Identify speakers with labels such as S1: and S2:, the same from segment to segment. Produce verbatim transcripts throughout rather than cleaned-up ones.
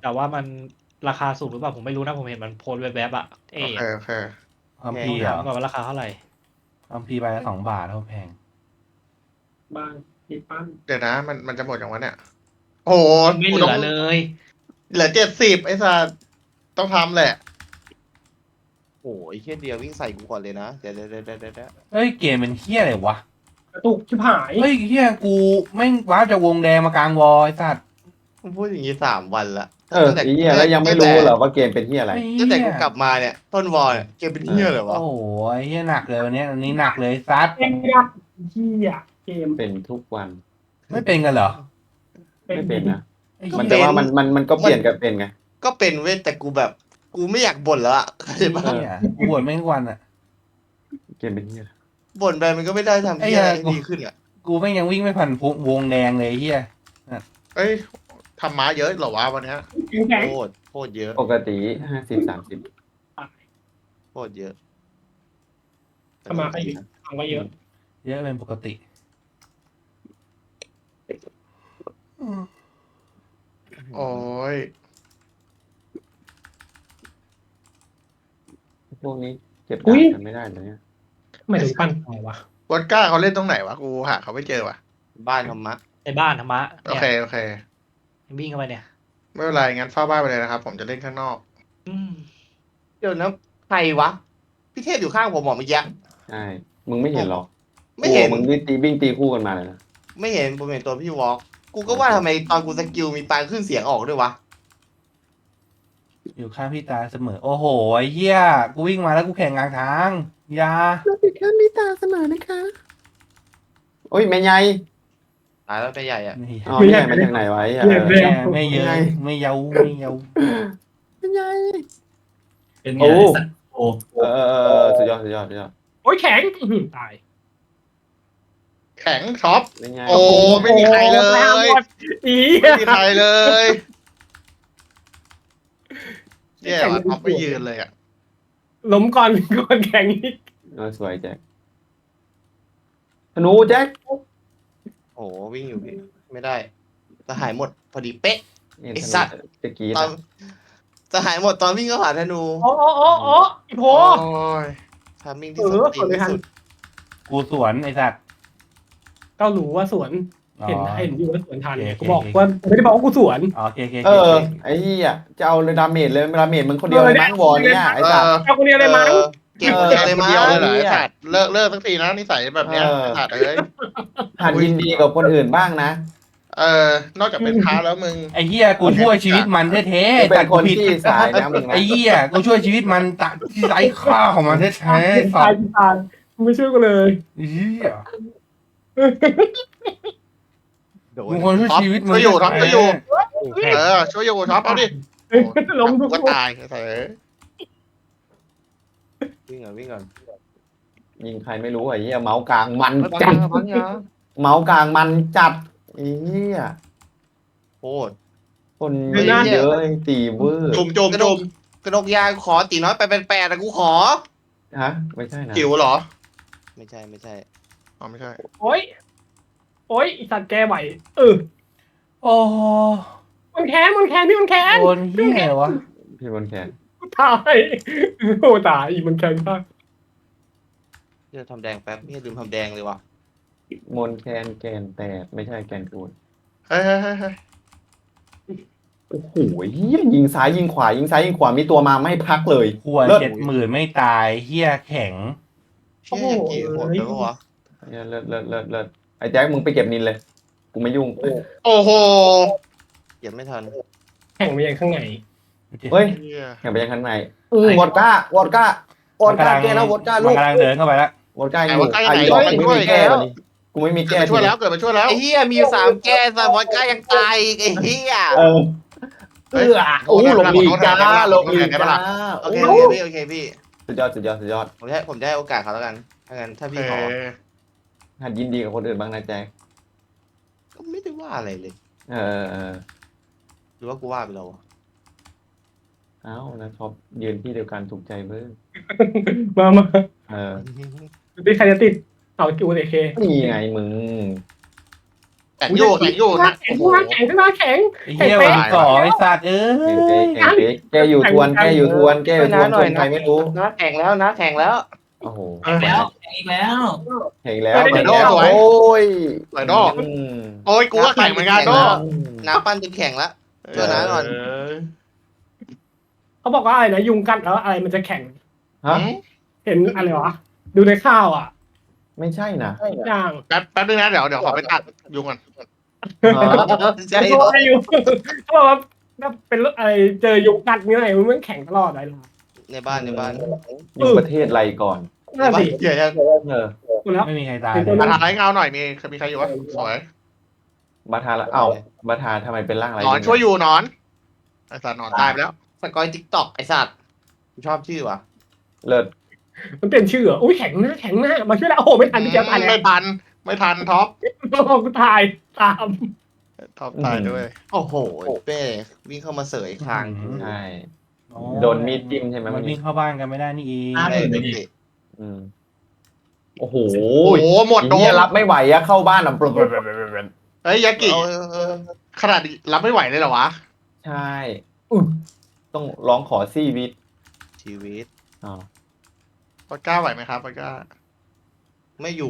S1: แต่ว่ามันราคาสูงหรือเปล่าผมไม่รู้นะผมเห็นมันโพสต์แวบๆอะเอ
S2: โอเคโอเค
S3: อัม
S1: ต้
S3: พี
S1: อง
S3: เหรอ
S1: ถามก่อนว่าราคาเท่าไหร่
S3: อัมพีใบละสองบาทเท่าแพง
S4: บ้านที่ปั้น
S2: เดี๋ยวนะ มันมันจะหมดอย่างวะเนี่ย โอ้โห
S1: ไม่เห
S2: กู
S1: ลื
S2: ต้
S1: อ
S2: อง
S1: เลย
S2: เหลือเจ็ดสิบไอ้สัสต้องทำแหละ
S5: โอ้ยเฮียเดียววิ่งใส่กูก่อนเลยนะเดี๋ยวเดี๋ยวเดี๋ยวเดี๋ยวเดี๋ยว
S3: เฮ้ยเกมเป็นเฮี้ยอะไรวะ
S4: กระตุกชิบหาย
S3: เฮ้ยเฮี้ยกูแม่งว้าร์ปจากวงแดงมากลางวอลไอ้สัตว์
S5: มึงพูดอย่างนี้สามวันละ
S6: เออไอ้เหี้ยแล้วยังไม่รู้เหรอว่าเกมเป็นเหี้ยอะไร
S5: ตั้งแต่กูกลับมาเนี่ยต้นวอลเนี่ยเกมเป็นเฮียเลยวะ
S3: โอ้โหไอ้เฮี้ยหนักเลยวันนี้อันนี้หนักเลยซัด
S4: เกมยักษ์เหี้ยเกม
S6: เป็นทุกวัน
S3: ไม่เป็นกันเหรอ
S6: ไม่เป็นนะ
S3: ไอ้
S6: มัน
S3: เหี้ย
S6: แต่ว่ามันมันมันก็เปลี่ยนกันเป็นไง
S5: ก็เป็นเว้ยแต่กูแบบกูไม่อยากบ่นแล้วอะเข้าใจปะ
S3: เหี้ยกูบ่นแม่งทุกวันอ่ะ
S6: เกมเป็นเหี้ยอะไร
S5: บ่นไปมันก็ไม่ได้ทำ
S3: ไอ้
S5: เฮีย
S3: เหี้ย
S5: อะไรให้ดีขึ้นอะ
S3: กูแม่งยังวิ่งไม่ผ่านวงแดงเลยไอ้เฮี้ย
S2: เอ้ยทำม้าเยอะเหรอวะวันเนี้ย
S4: แข็งแข็ง
S5: โคตรโคตรเยอะ
S6: ปกติห้าสิบสามสิบ
S5: โคตรเยอะ
S4: ทำมาก็เยอะทำก็เยอะ
S3: เยอะเป็นปกติ
S2: โอ้ย
S6: พวกนี้เก็บดาบกันไม่ได้เลยเนี่ย
S4: ไม่ถึงปั้นไงวะ
S2: วอดก้าเขาเล่นตรงไหนวะกูหาเขาไม่เจอวะ
S5: บ้านธรรมะ
S1: ในบ้านธรรมะ
S2: โอ
S1: เนี่ย
S2: เคโอเค
S1: วิ่งเข้าไปเนี่ย
S2: ไม่เป็นไรงั้นเฝ้าบ้านไปเลยนะครับ ผมจะเล่นข้างนอก
S1: อืม
S5: เดี๋ยวนะใครวะพี่เทพอยู่ข้างผมหมอเมื่อกี้
S6: ใช่มึงไม่เห็นหรอก
S5: ไม่เห็น
S6: โอ้มึงวิ่งตีวิ่งตีคู่กันมาเลยนะ
S5: ไม่เห็นผมเห็นตัวพี่วอล์กกูก็ว่าทำไมตอนกูสกิลมีปลายขึ้นเสียงออกด้วยวะ
S3: อยู่ข้างพี่ตาเสมอ โอ้โหไอ้เหี้ยกูวิ่งมาแล้วกูแข่งกลางทางอยา
S6: เราติดข้ามพี่ตาเสมอนะคะโอ้ยแม่ใหญ่
S5: ตายแล้วไปใหญ่อะ
S3: ไม่
S6: อ๋อแม่ใหญ่มาจากไหนไวะไอ้เหี้ย
S4: เรียน
S3: ไม่
S4: เรียน
S3: ไม่เยอะไม่เยาไม่เยา
S6: แม่ใหญ่
S7: เป็นไง
S6: โอ้
S7: ไอ้สัตว์โอ้
S6: เออเออเออสุดยอดสุดยอดสุดยอด
S4: โอ้ยแข็งอื้อหือตาย
S2: แข็งช็อป
S6: แม่ใหญ่
S2: โอ้ไม่มีใครเลย
S4: อี
S2: ไม่มีใครเลยแย่ว่ะท็อปไม่ยืนเลยอ่ะ
S4: ล้มก่อนก่อนแข็งอีก
S6: เออสวยแจ็คธนูแจ็ค
S5: โอ้โหวิ่งอยู่พี่ไม่ได้จะหายหมดพอดีเป๊ะ
S6: เนี่ย
S5: ไอ้
S6: ธนู
S5: สัตว์
S6: ตะกี้
S5: ตอน
S6: นะ
S5: จะหายหมดตอนวิ่งเข้าหาธนู
S4: โอ้โอ้โอ้โอ้อีโพ
S2: โอ้ย
S5: ทามมิ่ง
S4: เอ
S5: ที่สุด
S4: อ
S5: ตี
S4: สวน
S5: น
S4: เลย
S5: ที่
S4: ทัน
S5: สุด
S3: กูสวนไอ้สัตว์
S4: เก้าหลูว่าสวน
S3: อ๋อ
S4: เห็นเห็นอยู่ว่าสวนทัน
S3: โอเค
S4: กูบอก
S3: โอเค
S4: ว่าไม่ได้บอกว่ากูสวน
S3: อ๋อโอเคโอเค
S6: เอ
S3: โอ
S6: อ
S3: เค
S6: ไอ้เหี้ยจะเอาเลยดาเมจเลยดาเมจมึงคนเดียวเลยมั้งวอลเนี่ยไอ้
S2: เอ
S6: สัตว์
S2: อ
S4: เอาคนเดียวเลยมั้ง
S5: ออเก็บ
S6: เออ
S5: เก็บเลยมั้ง
S2: เดียวเลยเหรอ
S6: เออ
S2: ไอ้สัตว์เลิกเลิกสักทีนะนิสัยแบบเนี้ย
S6: เออ
S2: ไอ้สัตว์เอ้ย
S6: หัดยินดีกับคนอื่นบ้างนะ
S2: เออนอกจากเป็นพระแล้วมึง
S3: ไอ้เหี้ยกูช่วยชีวิตมันแท้
S6: กู
S3: ๆ
S6: เป็
S3: แต่
S6: นค
S3: กู
S6: น
S3: ผิด
S6: ที่สายนะมึงนะ
S3: ไอ้เหี้ยกูช่วยชีวิตมันตะที่ไร้ค่าของมันแท้ๆ
S4: ตา
S3: สั
S4: ย
S3: ตว์
S4: ตายมึงไม่ช่วยกูเลย
S3: ไอ้เหี้ย
S5: โดน
S3: มึงคนช่วยชีวิตมึง
S2: ช่วยอยู่ท็อปช่วยอยู่
S3: แท้
S2: เออช่วยอยู่ท็อปเอาดิ
S4: ล้มทุก
S2: ก็
S4: คน
S2: ตายไอ้สัตว์เอ้ย
S5: วิ่งก่อนวิ่งก่อน
S6: ยิงใครไม่รู้ไอ้เหี้ยเมาส์กลางมัน
S5: พัง
S6: จัด
S5: ยาพังยา
S6: เมาส์กลางมันจัดไอ้เหี้ย
S5: โคตร
S6: คนเยอะเยอะตีเวอร์
S2: จุ่มจุ่มจุ่ม
S5: กระดกยาขอตีน้อยไปเป็นแปดแต่กูขอ
S6: ฮะไม่ใช่นะ
S2: จิ๋วเหรอ
S5: ไม่ใช่ไม่ใช่
S2: อ๋อไม่ใช่
S4: โอ้ยโอ้ยอีสัตว์แกไหวเออ
S3: โอ้โห
S4: มันแค้นมันแค้นพี่มันแค้น
S3: โดนเหี้ยวะ
S6: พี่บนแขน
S4: ตายโอ้ตายอีมันแค้นมาก
S5: เดี๋ยวทำแดงแป๊บนี่ลืมทำแดงเลยว่ะ
S6: มนแคนแกนแตกไม่ใช่แกนกูน
S2: เฮ้ยเฮ้ยเฮ้ยเฮ้ย
S6: โอ้โหเหี้ยยิงซ้ายยิงขวายิงซ้ายยิงขวามีตัวมาไม่พักเลย
S3: ควร
S6: เลิศ
S3: เจ็ดหมื่นไม่ตายเหี้ยแข็ง
S5: เชี่ยอย่างกี่โหดเลยวะวะ
S6: เหี้ยเลิศเลิศเลิศเลิศไอ้แจ็คมึงไปเก็บนินเลย กูไม่ยุ่ง
S2: โอ้โห
S5: เก็บไม่ทัน
S4: แข่งไปยังข้างใน
S6: เฮ้ย
S2: เหี้ย
S6: แข่งไปยังข้างใน
S4: เออ
S6: วอดก้าวอดก้าวอดก้าแกแล้ววอดก้าลู
S3: มัน
S6: ก
S3: กำลังเดินเข้าไปแล้ว
S6: วอดก้าอ
S2: ไอ้
S6: ยู่
S2: วอดก้าอยู่
S6: อา
S2: ไหน
S6: ยุ
S2: ไป
S6: กู
S2: ช่วย
S6: ไม่มีแก้วันนี้กูไม่มี
S2: เกิ
S6: แก้
S2: ดมาช่วยแล้วเกิดมาช่วยแล้ว
S5: ไอ้เหี้ยมีอยู่สามแก้สามวอดก้ายังตายอีกไอ้เหี้ย
S6: เออเออโอ้ลงลีกจ้าลงลีกจ้า
S5: โอ
S6: โอ้
S5: เคโอเคพี่โอเคพี่
S6: สุดยอดสุดยอดสุดยอด
S5: ผมจะให้ผมจะให้โอกาสเขาแล้วกันถ้างั้นถ้าพี่
S2: เอ
S5: ขอ
S2: อ
S6: หัดยินดีกับคนอื่นบ้างนะแจ็ค
S5: ก็ไม่ได้ว่าอะไรเลย
S6: เออเออ
S5: หรือว่ากูว่าไปแล้ววะ
S6: เอ้านะท็อปยืนที่เดียวกันถูกใจเบิ้ง
S4: มามา
S6: เออ
S4: ดูดิใครจะติดเอาจูเอเค
S6: นี่ไงมึง
S2: แข็งอยู่แข็งอยู่นะ
S4: แข็ง
S2: โอ้โห
S4: แข็งขึ้นมาแข็ง
S3: ไอ้เหี้ยวันที่สองไอ้สัตว์เอ้
S6: เก๊
S3: ย
S6: เก๊เก๊แกอยู่ทวนแกอยู่ทวนแกอยู่ทวนคนใครไม่รู้
S5: นะแข่งแล้วนะแข่งแล้ว
S6: โอ้โห
S7: แข่งแล้วแข่งอีกแล้ว
S6: เห็นแล้วเห็นแล้วโอ้ย
S2: ไหลดอก
S6: อืม
S2: โอ้ยกูก็แข็งเหมือนกันดอก
S5: น้ำปั้นจนแข่งแล้ว เจอน้าก่อน
S2: เออ
S4: เขาบอกว่าอะไรนะยุงกัดแล้วอะไรมันจะแข็ง
S6: ฮะ
S4: เห็นอะไรวะดูในข้าวอ่ะ
S6: ไม่ใช่นะ
S4: อย่าง
S2: แป๊บแป๊บนึงนะเดี๋ยวเดี๋ยวขอไปตัดยุงก่อน
S5: ใช่
S4: เขาบอกว่ายุงเขาบอกว่าถ้าเป็นอะไรเจอยุงกัดนี่ไงมันแข็งตลอดเลยล่ะ
S5: ในบ้านในบ้าน
S6: อยู่ประเทศอะไรก่อน
S4: น่าสิ
S2: เดี๋ยวยัง
S6: เออ
S4: หมดแล้ว
S3: ไม่มีใครตาย
S4: เป็น
S3: เล
S4: ตั
S3: ยว
S2: มาทานไรเงาหน่อยมีมีใครอยู่วะสวย
S6: บาทาละเอ้าบาทาทำไมเป็นร่างอะไร
S2: หนอนช่วยอยู่หนอนไอ้สัตว์หนอนตายไปแล้ว
S5: สกอยทิกตอกไอสัตว์กูชอบชื่อว่ะ
S6: เลิศ
S4: มันเปลี่ยนชื่อเหรออุ้ยแข็งหน้าแข็งหน้ามาช่วยแล้วโอ้โหไม่ทันพี่เจ้าตายแล้
S2: ไม่
S4: ว
S2: ทันไม่ทันท็อป
S4: โอ้โหกูตายตาม
S2: ท็อปตายด้วย
S5: โอ้โหเป้วิ่งเข้ามาเสยคาง
S6: ใช่
S3: อ๋อ
S6: โดนมีดจิ้มใช่ไหม
S3: มั
S6: เมื่
S3: น
S6: อ
S3: วิ่
S6: กี้
S3: งเข้าบ้านกันไม่ได้นี่เอง
S7: ห้าห
S5: เอ้
S7: มื่น
S5: ย
S7: เลย
S5: เด็
S7: ดิ
S5: ก
S6: อืมโอ้โห
S2: โอ้โหหมดโด
S6: เฮีย
S2: น
S6: รับไม่ไหวอะเข้าบ้านอ่ะ
S2: เฮ้ยยากิ
S5: เอาเออ
S2: ขนาดรับไม่ไหวเลยเหรอวะ
S6: ใช่ต้องร้องขอซี่วิต
S5: ชีวิต
S6: อ๋อ
S2: ปากก้าไหวไหมครับปากก้า
S5: ไม่อยู่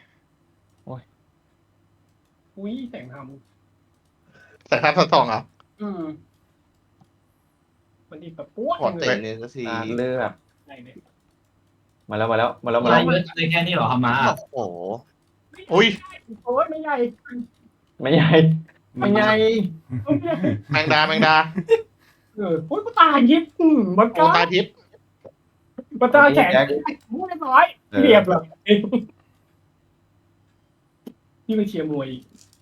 S4: อุ้ยแสงท
S2: แต่ทับสองเหรอ
S4: ำอืมมันดีแบบปุ๊บ
S5: ขอ
S4: เล
S5: เตะ
S4: ย
S5: เนี่ยก็ที
S6: อ่าเลือด
S4: อะไรเนี่ย
S6: มาแล้วมาแล้วมาแล้วมา
S7: อะไร
S6: แล้ว
S7: เยอะเลยแค่นี้เหรอครับมา
S5: โอ้โห
S2: อุ้ย
S4: โอ้ยไม่ใหญ่
S6: ไม่ใหญ่ไม่ใหญ่
S2: แมงดาแมงดา
S4: เออโอ้ยกูตายยิบอืมมัน
S2: โอ้
S4: ก็
S2: ตาทิพย์
S4: มันตาแข็ง
S6: แจ็ค
S4: มูเรียบร้อยเรียบเลยนี่ไปเชียร์มวย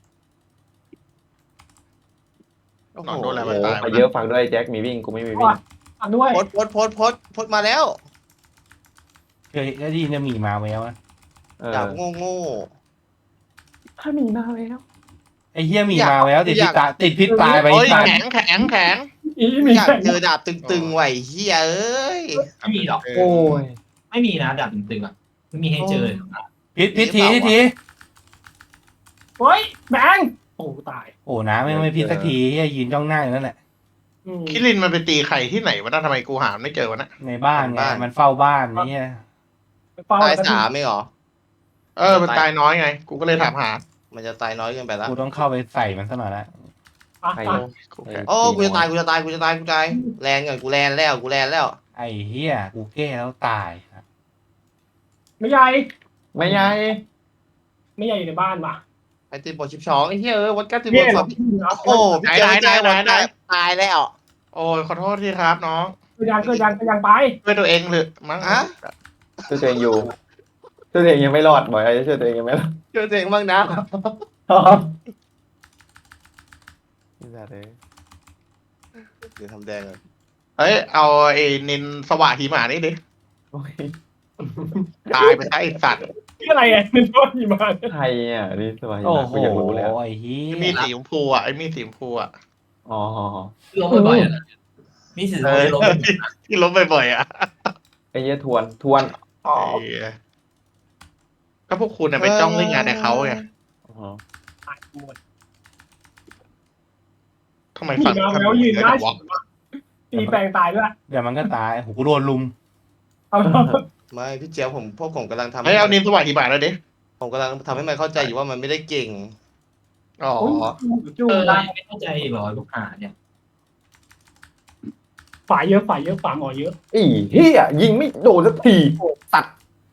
S5: โอ้
S2: ห
S5: โห
S2: นอนโดนอะไร
S6: โอ้
S2: มัน
S6: โห
S2: ตาย
S6: ไปเยอะฟังด้วยแจ็คมีวิ่งกูไม่มีวิ่ง
S4: อ่ะด้วย
S5: พดพดพดพดพดมาแล้ว
S3: เคยได้ยินจะมีมาแววอะ
S6: เออ
S5: ดาบโง่โง่
S4: ถ้ามีมาแล้ว
S3: ไอ้เหี้ยมีมาแววติดพิษตายติดพิษตายไป
S2: โอ้ย
S3: สัตว์
S2: แข็งแข็งแข็ง
S4: อี
S5: ๆ
S4: มี
S5: อยาก
S4: แข่ง
S5: เจอดาบตึงๆไหวเฮียเอ้ย
S7: ไม่มีหรอก
S6: โอ้ย
S7: ไม่มีนะดับตึงๆอ่ะไม่มีให้เจอเลยครับ
S3: พิษพิษทีพิษที
S4: เฮ้ยแบงโอ้ตาย
S3: โอ้น้ำไม่ไม่พิษสักทีเหี้ยยืนจ้องหน้าอยู่นั่นแหละ
S4: อืม
S2: คิรินมันไปตีไข่ที่ไหนวะน่ะทำไมกูหาไม่เจอวะนะ
S3: ในบ้านไงมันเฝ้าบ้านเนี่ย
S4: เป้า
S5: ตายสามไม่หรอ
S2: เออมันตายน้อยไง กูก็เลยถามหา
S5: มันจะตายน้อยเกินไปแล้ว
S3: กูต้องเข้าไปใส่มันซะหน่อยละ
S6: ใคร
S4: อ่ะ
S2: กูแข็ง
S5: โอ้กูจะตายกูจะตายกูจะตายกูจะตายแลนก่อนกูแลนแล้วกูแลนแล้ว
S3: ไอ้เหี้ยกูแก้แล้วตายครับ
S4: ไม่ใหญ่
S6: ไม่ใหญ่
S4: ไม่ใหญ่อยู่ในบ้านว่ะ
S5: ไอติมบอลชิปช้องไอ้เหี้ยเออวัดกันติมบ
S4: เนี่
S5: อย ล
S4: เหร
S5: ส
S4: อ
S5: อบโอ้พี่เจอเจอวันได้ตายแล้ว
S2: โอ้ยขอโทษทีครับน้อง
S4: เกิดยังเกิดยังเกิดยังไป
S2: ช่วยตัวเองหรือมั้ง
S5: อะ
S6: ช่วยตัวเองอยู่ช่วยตัวเองยังไม่รอดบ่อยไอ้ช่วยตัวเองยังไม่รอด
S5: เจอตัวเองบ้างนะ
S6: นี่แหละเลย
S5: เดี๋ยวทำแดงเลย
S2: เฮ้ยเอาไอ้นินสว่างหิมะนี่ดิ
S6: โอ้ย
S2: ตายไปซะไอ้สัตว์
S4: นี่อะไรอ่ะมันโดนหิมะ
S6: ใครอ่ะนี่สบาย
S3: โอ้
S6: มาก
S3: โห
S6: กูอยากรู้เลยอะ
S3: ไอ้เหี้
S2: ไอ้มี
S3: ย
S2: ดสีชมพูอ่ะไอ้มีดสีชมพูอ่ะ
S6: อ๋อ
S7: ล้มบ่อยๆอะมีสิทธิ์
S2: เออ
S7: ล้ม
S2: ที่ล้มบ่อยๆอ่ะ
S6: ไอ้เหี้ยทวนทวน
S5: อ๋อ
S2: ไอ้เหี้ยก็พวกคุณน่ะไปจ้องเล่นงานในเขาไง
S6: อ๋อ
S4: หมด
S2: ทำไม
S4: หิ
S2: ฝั่ง
S4: มะ
S2: ทำ
S4: แล้วยืน
S2: เย
S4: ได้
S2: อะวะ
S4: ตีแปลงตายด้วย
S3: เดี๋ยวมันก็ตายโอ้โหกูโดนลุม
S4: เอา
S5: ไม่พี่เจียวผมพวกผมกำลังทำ
S2: เฮ้ยเอานินสว่างหิมะแล้วดิ
S5: ผมกำลังทำให้มันเข้าใจอยู่ว่ามันไม่ได้เก่ง
S2: อ๋อ
S4: จู
S7: เออ
S4: ได้
S7: ไม่เข้าใจหรอลูกหาเนี่ย
S4: ฝ่ายเยอะฝ่ายเยอะฝ่าหมอเยอะ
S6: อีเฮียยิงไม่โดนสักทีตัด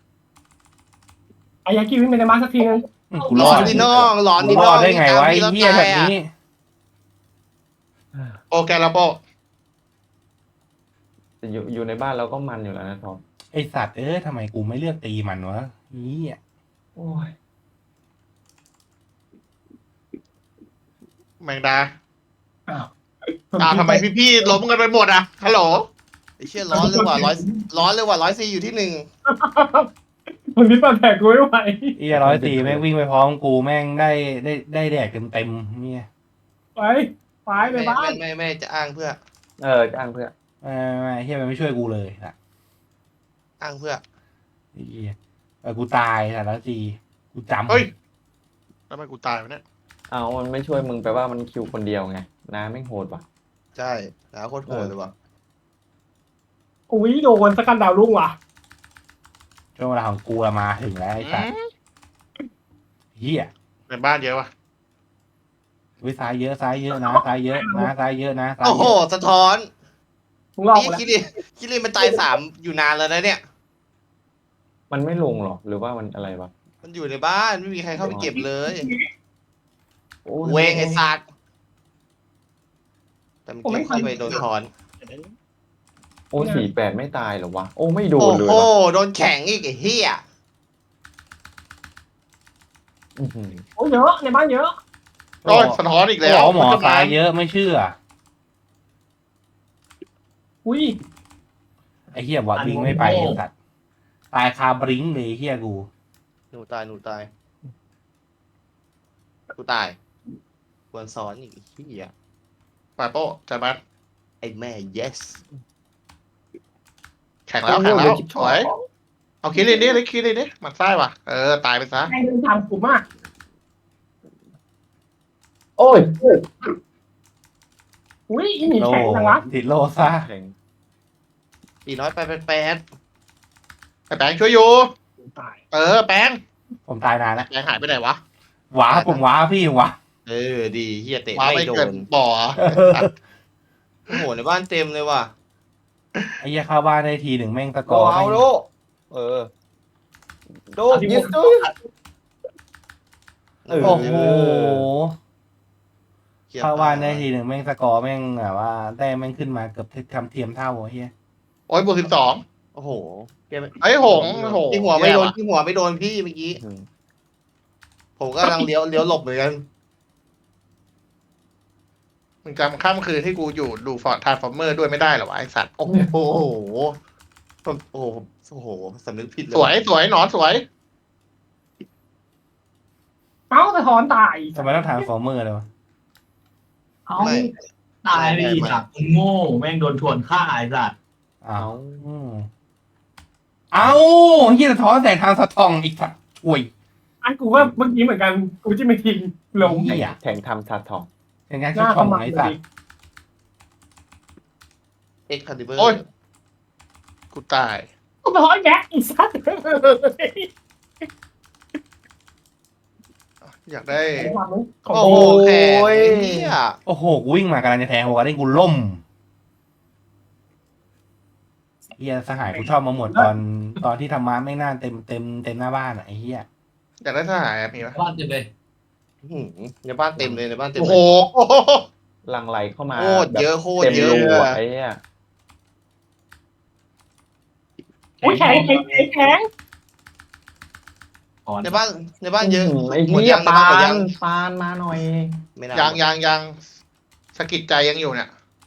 S4: อายากิวิ่งไปในมาสักทีนึง
S3: อืมกู
S5: หล
S3: ร
S5: อ
S3: อน ด
S5: ดิน้องหลอน
S3: กู
S5: ดิ
S3: ร
S5: น้
S3: อ
S5: อ
S3: ด
S5: ง
S3: ได้ไงวะไอ้เหี้ยแบบนี้
S2: โอแกลาโป
S6: แต่อยู่อยู่ในบ้านเราก็มันอยู่แล้วนะทอม
S3: ไอสัตว์เอ้ยทำไมกูไม่เลือกตีมันวะนี่อ่ะ
S6: โอ้ย
S2: แมงดาอ้าวทำไมพี่ๆล้มกันไปหมดอ่ะฮัลโหล
S5: ไอ้เชี่ยร้อนเลยว่ะร้อยร้อนเลยว่ะร้อยซีอยู่ที่หนึ่ง
S4: คนนี้ปัดแผลกูไม่ไหว
S3: ไอ้ร้อยตีแม่งวิ่งไปพร้อมกูแม่งได้ได้ได้แดกเต็มเต็มๆเนี่ย
S4: ไปไปไป
S5: ไม่
S4: บ้าน
S5: ไม่ไม่จะอ้างเพื่อ
S6: เออจ้างเพื่อน
S3: ไม่ไม่เฮียมันไม่ช่วยกูเลยอ่ะ
S5: อ้างเพื่อ
S3: ไอ้เหี้ยเออกูตายแต่ละตีกูจำ
S2: เฮ้ยทำไมกูตายวะเนี่ย
S6: เอามันไม่ช่วยมึงแปลว่ามันคิวคนเดียวไงน้าไม่งโหดว่ะ
S5: ใช่นะโคตรโหดเลยว่ะ
S4: อุ้ยโดนสกันดาวรุ่งว่ะ
S3: ช่วงเวลาของกูละมาถึงแล้วไอ้สัตว์เฮีย
S2: ในบ้านเยอะว่ะ
S3: วิซ้ายเยอะซ้ายเยอะนะซ้ายเยอะนะซ้ายเยอะนะซ้าย
S5: โอ้
S3: เย
S5: โห
S3: อะ
S5: สะท้อน
S4: มึงลอก
S5: นี่
S4: กูแล้ว
S5: คิริคิริมันตายสามอยู่นานแล้วนะเนี่ย
S6: มันไม่ลงหรอหรือว่ามันอะไรวะ
S5: มันอยู่ในบ้านไม่มีใครเข้าไปเก็บเลย
S6: โอ้ย
S5: เวงไอ้สัตว์แต่มันเก็บเข้าไปโดนถอน
S6: โอ้สี่แปดไม่ตายเหรอวะโอ้ไม่โด
S5: โอ้
S6: นเลย
S5: โห
S6: ว่ะ
S5: โดนแข็งอีกไอ้เหี้ย
S6: อื้อหือ
S4: โอ้ยเยอะในบ้านเยอะ
S2: โอ้ยสะท้อนอีกแล้ว
S3: บอกหมอ
S2: มันจะ
S3: ซ้ายเยอะไม่เชื่อ
S4: อุ้ย
S3: ไอ้เฮียบอดบิงไม่ไปไอ้สัตว์ตายคาบริงเลยเฮียกู
S5: หนูตายหนูตายกูตายควรซ้อนอีกไอ้เหี้ย
S2: ปาโป้จัดบ้าน
S5: ไอ้แม่ yes
S2: แข่งแล้วแข่งแล้วสวยเอาคิรินดิเลยคิรินดิมันไส้ว่ะเออตายไปซะ
S4: ใครเดินตามกูมาก
S6: โอ้ย
S4: อุ้ยอีหมี
S3: โล
S4: แข็งจังวะ
S3: ติดโลซะ
S6: แข็ง
S5: ปีน้อยไปเป็นแปด
S2: ไอ้แปงช่วยอยู่
S4: ตาย
S2: เออแปง
S3: ผมตายนานแล้ว
S2: แปงหายไปไหนวะ
S3: ว้าผมว้าพี่ว้า
S5: เออดีเฮียเตะ
S2: ว้า
S5: ไม่
S2: ไม่
S5: โด
S2: เกิน
S5: น
S2: บ่อ
S5: โอ้โหในบ้านเต็มเลยว่ะ
S3: ไอ้เหี้ยเข้าบ้านได้ทีหนึ่งแม่งตะก
S6: โด
S3: อ
S6: เอา
S3: แม่ง
S6: โดเออโดยิสดูเออ
S3: โอ้โห
S5: คลียร์
S3: เข้าบ้านได้
S5: ต
S3: ทีหนึ่งแม่งตะกอแม่งแบบว่าแต้มแม่งขึ้นมาเกือบทำเทียมเท่าเฮีย
S2: โอ้ยบวกสิบสอง
S5: โอ้โหเกม
S2: ไอ้หงโอ้โห
S5: ที่หัวไม่โดน
S2: แย่ว่ะ
S5: ที่หัวไม่โดนพี่เมื่อกี้
S6: อืม
S5: ผมก็กำลังเลี้ยวเลี้ยวหลบเหมือนกัน
S2: มึงจำข้ามคืนที่กูอยู่ดูฟอร์ดทาร์ฟอร์เมอร์ด้วยไม่ได้เหรอวะไอสัตว์
S5: โอ้โหผมโอ้โหโอ้โหสำนึกผิดเลย
S2: สวยสวยหนอนสวย
S4: เอ้าสะท้อนตาย
S3: ทำไมต้องทานฟอร์เมอร์เลยวะ
S7: เอ้าตายไปอีกอ่ะมึงโง่แม่งโดนชวนฆ่าไอ้สัตว์
S3: อ้าวอืมเอาเฮียสะท้อนแสงทางสะท้องอีกสัตว์อุ้ย
S4: อันกูว่าเมื่อกี้เหมือนกันกูจะไม่ทิ้งลง
S3: เฮีย
S6: แข่งทำชาทอง
S3: เป็นการ
S4: ห
S3: ชิด
S4: น้า
S3: ช่อง
S4: ขมับ
S3: ไอ้
S4: เล
S3: สัต
S4: ย
S3: ว์
S5: เอ็กคาลิเบอร์
S2: โอ้ย กูตาย
S4: กูสะท้อนแกอีสัตว์
S2: อยากได้
S4: ของ
S5: โอ้
S4: โอ้
S5: โหแข็งเฮีย
S3: โอ้โหกูวิ่งมากำลังจะแทงหัวได้กูล่มเฮียสหายกูชอบมาหมดตอนตอนที่ธรรมะไม่งน่าเต็มเต็มเต็มหน้าบ้านอ่ะไอ้เฮีย
S2: อยากได้ทหารอะมีไหม
S7: บ้านเต็มเลย
S5: อื้อหือในบ้านเต็มเลยในบ้านเต็ม
S2: โอ้
S5: เล
S2: โห
S5: ย
S6: หลังไหลเข้ามา
S5: โคตรเยอะโคตร
S6: เต็ม
S5: เยอะ
S6: รูอะไอ้เนี่ย
S4: ยแข็งแข็งแข็งแข็ง
S7: ก่อน
S5: ในบ้านในบ้านเยอะ
S6: ไอ้
S5: หมด
S6: เหี้ย
S5: ยังใน
S6: ปา
S5: บ้านหมดยั
S6: น
S5: ง
S6: ปานมาหน่อย
S5: ไม่น่า
S2: ยังยังยังสะกิดใจยังอยู่เนี่ย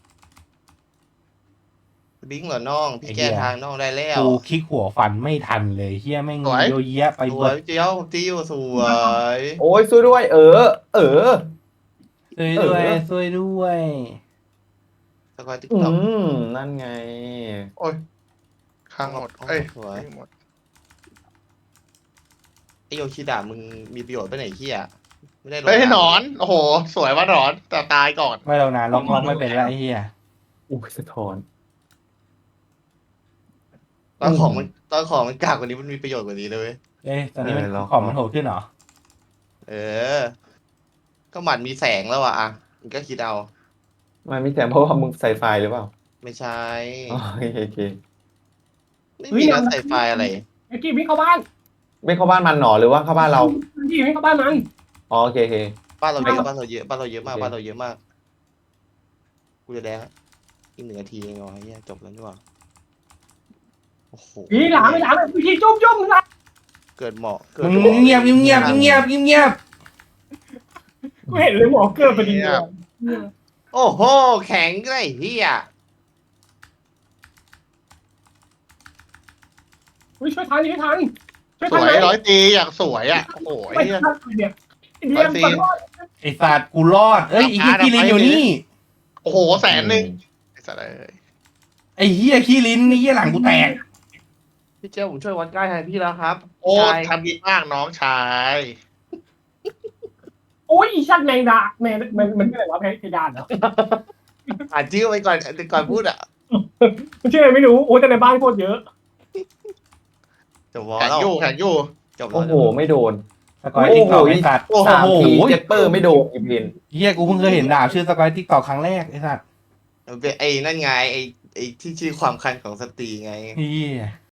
S5: บิงเหรอน้องพี่แก้ทางน้องได้แล้ว
S3: กูคลิกหัวฟันไม่ทันเลยเฮียแม่งโยเยะไป
S5: ส
S3: หม
S5: วย
S3: ด
S5: เจียวตีอยู่สวย
S6: โอ้ยช่วยด้วย เออ เออ
S3: ช่วยด้วย
S6: เออ
S3: ช่วยด้วย
S5: สกอยติ๊ก
S6: อื
S5: ต็อก
S6: มนั่นไง
S2: โอ้ยข้างหมดเอ้ย
S5: สวย
S2: หมด
S5: ไอโยชิดะมึงมีประโยชน์ไปไหนเฮียไม่ได้ลง
S2: เฮ้ยหนอนโอ้โห สวยว่าหนอนแต่ตายก่อน
S3: ไม่เรานานล็อกล็อกไม่เป็นไรไอ้เฮีย
S6: อุ้ยสะท้อน
S5: ตอนของมันตอนของมันกากกว่านี้มันมีประโยชน์กว่านี้เลยเว้ย
S3: เอ้ยตอนนี้มันของมันโหดขึ้นเหรอ
S5: เออ ก็หมัดมีแสงแล้วอ่ะอ่ะมึงก็คิดเอา
S6: มันมีแต่เพราะว่ามึงใส่ไฟหรือเปล่า
S5: ไม่ใช่
S6: อ๋อโอเคโอเค
S5: ไม่มีการใส่ไฟอะไร
S4: ไอ้กี้วิ่งเข้าบ้าน
S6: ไม่เข้าบ้านมันหนอหรือว่าเข้าบ้านเรา
S4: ไอ้กี้วิ่งเข้าบ้านมัน
S6: อ๋อโอเคโอเค
S5: บ้านเราเยอะบ้านเราเยอะบ้านเราเยอะมาก
S6: โอเค
S5: บ้านเราเยอะมากกูจะแดงละอีกหนึ่งนาทีเองเหรอเฮียจบแล้วนี่หว่าโอ้โห
S4: อีหลามไม่หลามวิธีจุ่มจุ่มหลาม
S5: เกิดเหมาะเกิด
S3: มึงเงียบเงียบเงียบเงียบเงียบ
S4: กูเห็นเลยหมอเกิดพอดีเลย
S5: โอ้โหแข็งไอ้เฮีย
S4: อุ้ยช่วยทันช่วยทันช่วย
S2: ส
S4: ทัน
S2: ว
S4: ไหม
S2: ยร้อยตีอยากสวยอ่ะโอ้โหไอ้
S4: ไม่
S2: เหี้ย
S4: ทันเนี่ยเดียมขอโทษ
S3: ไอ้สัตว์กูรอดเอ้ยไอ้เฮียขี้ลิ้นอยู่นี่
S2: โอ้โหแสนหนึ่งไอ้สัตว์เอ้ย
S3: ไอ้เฮียขี้ลิ้นไอ้เฮียหลังกูแตก
S5: พี่เจ้าผมช่วยวัดใกล้แทนพี่แล้วครับ
S2: โอ้
S5: ใช่
S2: ทำดีมากน้องชาย
S4: โโอ้ยอีชัดแมงดาแมงมันมันชื่ออะไรวะเพดานเหรอ
S5: อ่านชื่อไว้ก่อนก่อนพูดอ่ะ
S4: มันชื่ออะไรไม่รู้โอ้แต่ในบ้านโคตรเยอะ
S5: จบวอล
S2: แข่ง
S5: แล้ว
S2: อยู่แข่งอยู่
S5: จบแล้
S6: โอ้
S5: ว
S6: โหไม่โดน
S3: สกอยติ๊กตอกไอ้สัตว์
S2: โอ้โห
S6: สามที
S3: โอ้โห
S6: เจปเปอร์ไม่โดนอีเวน
S3: เฮียกูเพิ่งเคยเห็นดาบชื่อสกอยติ๊กตอกครั้งแรกไอ้สัตว์
S5: มันเป็นไอ้นั่นไงไอ้ไอ้ที่ชื่อความคันของสตรีไง
S3: เฮีย